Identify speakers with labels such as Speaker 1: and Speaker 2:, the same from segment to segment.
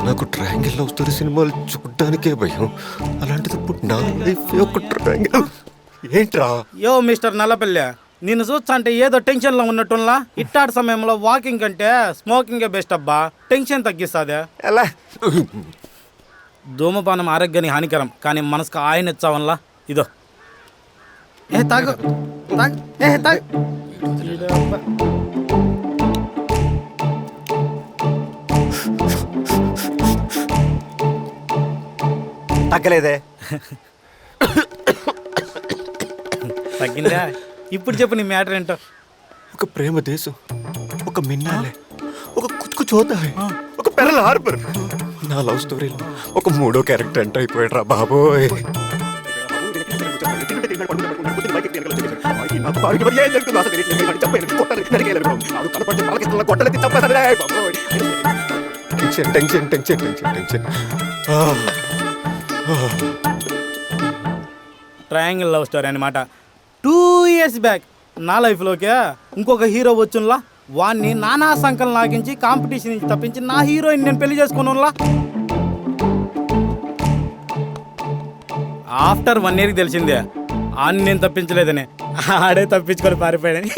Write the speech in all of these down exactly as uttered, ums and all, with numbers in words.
Speaker 1: నాకు triangle love story సినిమాలు చూడడానికే భయం, అలాంటిది ఇప్పుడు నా లైఫ్ ఒక ట్రయాంగిల్ ఏంట్రా?
Speaker 2: యో మిస్టర్ నల్లపల్లె, నిన్ను చూస్తా అంటే ఏదో టెన్షన్లో ఉన్నట్టులా. ఇట్టాటి సమయంలో వాకింగ్ కంటే స్మోకింగే బెస్ట్ అబ్బా, టెన్షన్ తగ్గిస్తుందే.
Speaker 1: ఎలా?
Speaker 2: ధూమపానం ఆరోగ్యానికి హానికరం, కానీ మనసుకు ఆయన ఇచ్చావన్లా. ఇదో ఏ తాగు తాగు ఏ తాగు.
Speaker 1: తగ్గలేదే.
Speaker 2: తగ్గిందా? ఇప్పుడు చెప్పు నీ మ్యాటర్ ఏంటో.
Speaker 1: ఒక ప్రేమ దేశం, ఒక మిన్నాలే, ఒక కుచ్కు చోతా, ఒక పెరల్ హార్బర్. నా లవ్ స్టోరీలో ఒక మూడో క్యారెక్టర్ ఎంటర్ అయిపోయాడు రా బాబోయ్. Tension tension tension tension tension.
Speaker 2: Triangle love story అనమాట. టూ ఇయర్స్ బ్యాక్ నా లైఫ్లోకే ఇంకొక హీరో వచ్చున్లా. వాడిని నానా సంకలం లాగించి కాంపిటీషన్ నుంచి తప్పించి నా హీరోయిన్ నేను పెళ్లి చేసుకున్నా. ఆఫ్టర్ వన్ ఇయర్కి తెలిసిందే ఆన్ని నేను తప్పించలేదని, ఆడే తప్పించుకొని పారిపోయాడని.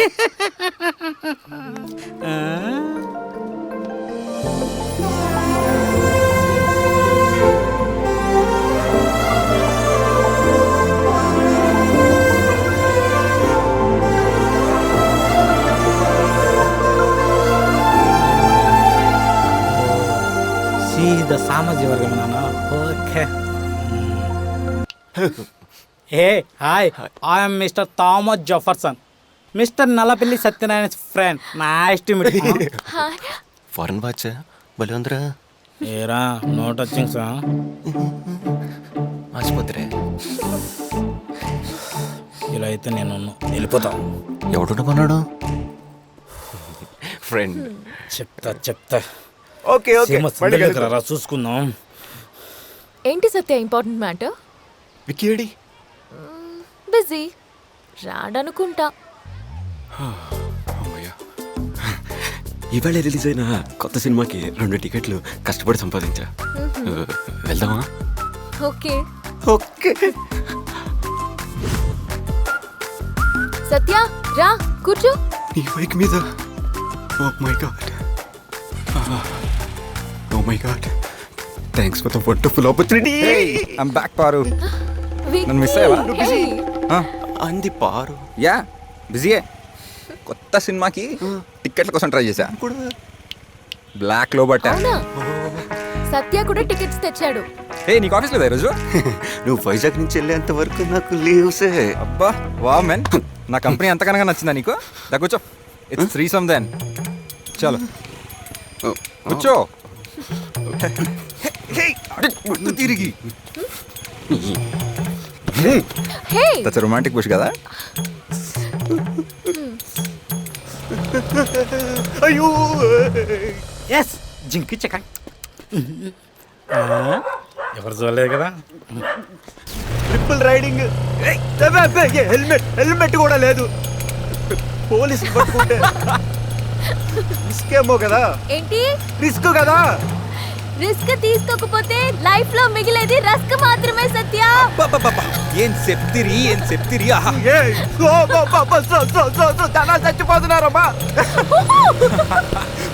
Speaker 2: సీదా సామాజిక వర్గం నాన్న. Okay. Hey hi, I'm mister Thomas Jefferson, mister Nallapalli Satyanarayana friend. Nice to meet you.
Speaker 1: Foreign watch భలే ఉందిరా.
Speaker 2: ఏరా నో టచింగ్స్.
Speaker 1: ఆసుపత్రి
Speaker 2: ఇలా అయితే నేను వెళ్ళిపోతా.
Speaker 1: ఎవడున్నాడు? ఫ్రెండ్.
Speaker 2: చెప్తా చెప్తా.
Speaker 1: ఓకే ఓకే
Speaker 2: రా చూసుకుందాం.
Speaker 3: ఏంటి సత్య ఇంపార్టెంట్ మ్యాటర్?
Speaker 1: వికీడి
Speaker 3: బిజీ రాడనుకుంటా.
Speaker 4: ఇవాళ రిలీజ్ అయిన కొత్త సినిమాకి రెండు టికెట్లు కష్టపడి సంపాదించా. వెళ్దామా?
Speaker 3: Okay
Speaker 1: okay.
Speaker 3: సత్య రా కూర్చో.
Speaker 4: నీ బైక్ మీద. Oh my god, oh my god, thanks for the wonderful opportunity.
Speaker 5: I'm back Paru.
Speaker 3: వి-
Speaker 5: నన్ను మిస్ అయ్యావా?
Speaker 3: Hey.
Speaker 1: అంది పారు.
Speaker 5: యా బిజీయే. కొత్త సినిమాకి టికెట్ల కోసం ట్రై చేశా. బ్లాక్ లో బట్టా.
Speaker 3: అవునా? సత్య కూడా టికెట్స్ తెచ్చాడు.
Speaker 5: ఏ నీకు ఆఫీస్ లేదా ఈరోజు?
Speaker 1: నువ్వు వైజాగ్ నుంచి వెళ్ళేంత వరకు నాకు లీవ్సే.
Speaker 5: అబ్బా వా మెన్, నా కంపెనీ ఎంతకనగా నచ్చిందా నీకు? దా కూర్చో. It's three some then. చలో కూర్చో. తిరిగి
Speaker 3: హే
Speaker 5: దట్స్ రొమాంటిక్ పుష్ కదా.
Speaker 1: అయ్యో
Speaker 2: ఎస్ జింకి చెక్క. ఎవరు చూడలేదు కదా.
Speaker 1: Triple riding. హెల్మెట్ హెల్మెట్ కూడా లేదు. పోలీసులు పట్టుకుంటే రిస్క్ ఏమో కదా.
Speaker 3: ఏంటి
Speaker 1: రిస్క్ కదా.
Speaker 3: రిస్క్ తీసుకోకపోతే లైఫ్ లో మిగిలేది రస్క్ మాత్రమే సత్య.
Speaker 5: ఏం చెప్తిరి ఏం చెప్తిరి. ఆహా
Speaker 1: చచ్చిపోతున్నారమ్మా.